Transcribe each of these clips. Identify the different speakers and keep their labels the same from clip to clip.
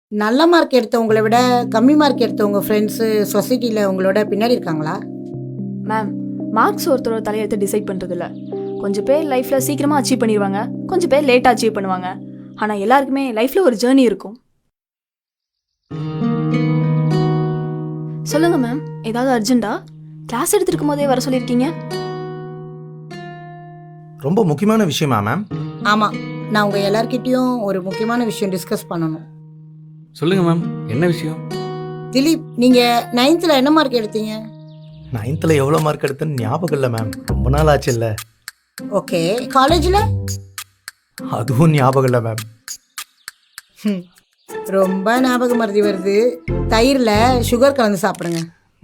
Speaker 1: நல்ல மார்க் எடுத்தவங்கள விட கம்மி மார்க் எடுத்தவங்க ஃப்ரெண்ட்ஸு சொசைட்டியில் உங்களோட பின்னாடி இருக்காங்களா?
Speaker 2: மேம், மார்க்ஸ் ஒருத்தரோட தலையெழுத்து டிசைட் பண்ணுறது இல்லை. கொஞ்சம் பேர் லைஃப்பில் சீக்கிரமாக அச்சீவ் பண்ணிடுவாங்க, கொஞ்சம் பேர் லேட்டாக அச்சீவ் பண்ணுவாங்க. ஆனால் எல்லாருக்குமே லைஃப்பில் ஒரு ஜேர்னி இருக்கும். சொல்லுங்கள் மேம், ஏதாவது அர்ஜென்ட்டா? கிளாஸ் எடுத்துருக்கும் போதே வர சொல்லியிருக்கீங்க.
Speaker 3: ரொம்ப முக்கியமான விஷயமா மேம்?
Speaker 1: ஆமாம், நான் உங்கள் எல்லார்கிட்டேயும் ஒரு முக்கியமான விஷயம் டிஸ்கஸ் பண்ணணும்.
Speaker 4: சொல்லுங்க மேம், என்ன விஷயம்?
Speaker 1: திலீப், நீங்கள் 9th என்ன மார்க் எடுத்தீங்க?
Speaker 3: 9th எவ்வளோ மார்க் எடுத்தேன்னு ஞாபகம் இல்லை மேம், ரொம்ப நாள் ஆச்சு இல்லை.
Speaker 1: ஓகே, காலேஜில்?
Speaker 3: அதுவும் ஞாபகம் இல்லை மேம்.
Speaker 1: ரொம்ப ஞாபகம் மறதி வருது. தயிரில் சுகர் கலந்து சாப்பிடுங்க.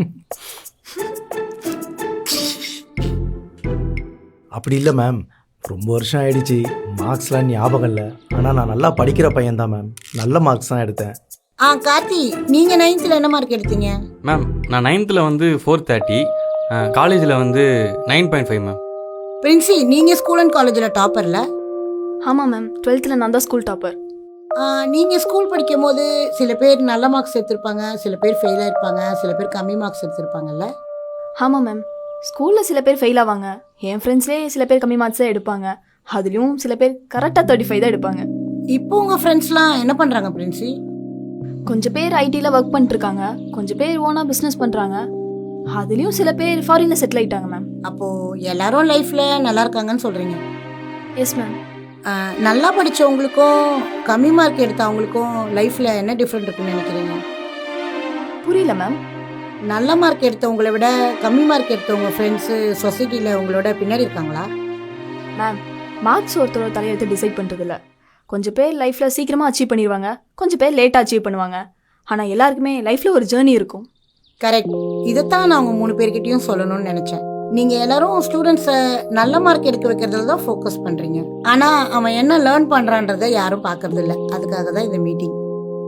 Speaker 3: அப்படி இல்லை மேம், ரொம்ப வருஷம் ஆயிடுச்சு, மார்க்ஸ்லாம் ஞாபகம் இல்லை. ஆனால் நான் நல்லா படிக்கிற பையன்தான் மேம், நல்ல மார்க்ஸ் தான் எடுத்தேன்.
Speaker 1: கார்த்தி, நீங்கள் 9th என்ன மார்க் எடுத்தீங்க?
Speaker 4: மேம், நான் 9th 430, காலேஜில் 9.5 மேம்.
Speaker 1: பிரின்சி, நீங்கள் ஸ்கூல் அண்ட் காலேஜில் டாப்பர்ல?
Speaker 2: ஆமாம் மேம், 12th நான் தான் ஸ்கூல் டாப்பர்.
Speaker 1: நீங்கள் ஸ்கூல் படிக்கும் போது சில பேர் நல்ல மார்க்ஸ் எடுத்திருப்பாங்க, சில பேர் ஃபெயிலாக இருப்பாங்க, சில பேர் கம்மி மார்க்ஸ் எடுத்திருப்பாங்கல்ல?
Speaker 2: ஆமாம் மேம், ஸ்கூலில் சில பேர் ஃபெயில் ஆவாங்க. என் ஃப்ரெண்ட்ஸ்லேயே சில பேர் கம்மி மார்க்ஸ் தான் எடுப்பாங்க. அதுலேயும் சில பேர் கரெக்டாக 35 தான் எடுப்பாங்க.
Speaker 1: இப்போ உங்கள் ஃப்ரெண்ட்ஸ்லாம் என்ன பண்ணுறாங்க பிரின்சி?
Speaker 2: கொஞ்சம் பேர் ஐடியில் ஒர்க் பண்ணிட்டுருக்காங்க, கொஞ்சம் பேர் ஓனாக பிஸ்னஸ் பண்ணுறாங்க. அதுலேயும் சில பேர் ஃபாரினில் செட்டில் ஆகிட்டாங்க மேம்.
Speaker 1: அப்போது எல்லாரும் லைஃப்பில் நல்லா இருக்காங்கன்னு சொல்கிறீங்க?
Speaker 2: Yes ma'am.
Speaker 1: நல்லா படித்தவங்களுக்கும் கம்மி மார்க் எடுத்தவங்களுக்கும் லைஃப்பில் என்ன டிஃப்ரெண்ட் இருக்குன்னு நினைக்கிறீங்க?
Speaker 2: புரியல மேம்.
Speaker 1: நல்ல மார்க் எடுத்தவங்கள விட கம்மி மார்க் எடுத்தவங்க ஃப்ரெண்ட்ஸு சொசைட்டியில் உங்களோட பின்னாடி இருக்காங்களா?
Speaker 2: மேம், மார்க்ஸ் ஒருத்தரோட தலையெழுத்து டிசைட் பண்ணுறதில்ல. கொஞ்சம் பேர் லைஃப்பில் சீக்கிரமாக அச்சீவ் பண்ணிடுவாங்க, கொஞ்சம் பேர் லேட்டாக அச்சீவ் பண்ணுவாங்க. ஆனால் எல்லாருக்குமே லைஃப்பில் ஒரு ஜேர்னி இருக்கும்.
Speaker 1: கரெக்ட். இதைத்தான் நான் உங்கள் 3 பேர்கிட்டையும் சொல்லணும்னு நினச்சேன். நீங்கள் எல்லாரும் ஸ்டூடெண்ட்ஸை நல்ல மார்க் எடுக்க வைக்கிறதுல தான் ஃபோக்கஸ் பண்ணுறீங்க. ஆனால் அவன் என்ன லேர்ன் பண்ணுறான்றதை யாரும் பார்க்கறது இல்லை. அதுக்காக தான் இந்த மீட்டிங்.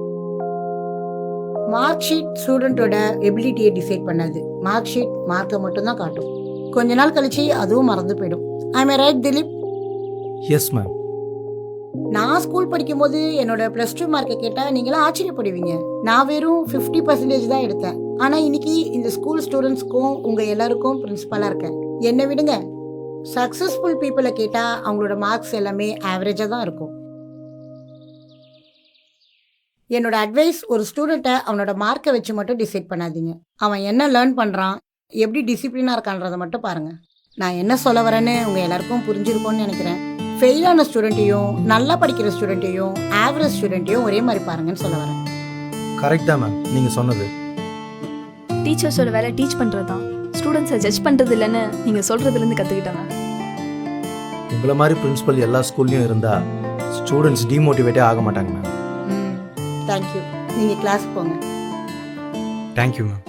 Speaker 1: மார்க் ஷீட் ஸ்டூடெண்ட்டோட எபிலிட்டியை டிசைட் பண்ணாது. மார்க் ஷீட் மார்க்கை மட்டும்தான் காட்டும். கொஞ்ச நாள் கழிச்சு அதுவும் மறந்து போயிடும். I may right Dilip?
Speaker 3: Yes ma'am.
Speaker 1: நான் ஸ்கூல் படிக்கும்போது என்னோட +2 மார்க்கை கேட்டால் நீங்களாம் ஆச்சரியப்படுவீங்க. நான் வெறும் 50% தான் எடுத்தேன். ஆனால் இன்னைக்கு இந்த ஸ்கூல் ஸ்டூடெண்ட்ஸ்க்கும் உங்கள் எல்லாருக்கும் பிரின்சிபலாக இருக்கேன். என்னை விடுங்க, சக்ஸஸ்ஃபுல் பீப்புளை கேட்டால் அவங்களோட மார்க்ஸ் எல்லாமே ஆவரேஜாக தான் இருக்கும். என்னோட அட்வைஸ், ஒரு ஸ்டூடெண்ட்டை அவனோட மார்க்கை வச்சு மட்டும் டிசைட் பண்ணாதீங்க. அவன் என்ன லேர்ன் பண்ணுறான், எப்படி டிசிப்ளினாக இருக்கான்றதை மட்டும் பாருங்கள். நான் என்ன சொல்ல வரேன்னு உங்கள் எல்லாருக்கும் புரிஞ்சிருக்கும்னு நினைக்கிறேன். ஃபெயிலான ஸ்டூடெண்ட்டையும் நல்லா படிக்கிற ஸ்டூடெண்ட்டையும் ஆவரேஜ் ஸ்டூடெண்ட்டையும் ஒரே மாதிரி பாருங்கன்னு சொல்ல வரேன்.
Speaker 3: கரெக்ட் தான் மேம் நீங்கள் சொன்னது.
Speaker 2: டீச்சர்ஸோட வேலை டீச் பண்ணுறது தான், ஸ்டூடெண்ட்ஸை ஜட்ஜ் பண்ணுறது இல்லைன்னு நீங்கள் சொல்கிறதுலேருந்து கற்றுக்கிட்டாங்க.
Speaker 3: உங்களை மாதிரி பிரின்சிபல் எல்லா ஸ்கூல்லையும் இருந்தால் ஸ்டூடெண்ட்ஸ் டிமோட்டிவேட்டே ஆக மாட்டாங்க மேம்.
Speaker 1: தேங்க்யூ. நீங்கள் கிளாஸ் போங்க.
Speaker 4: Thank you ma'am.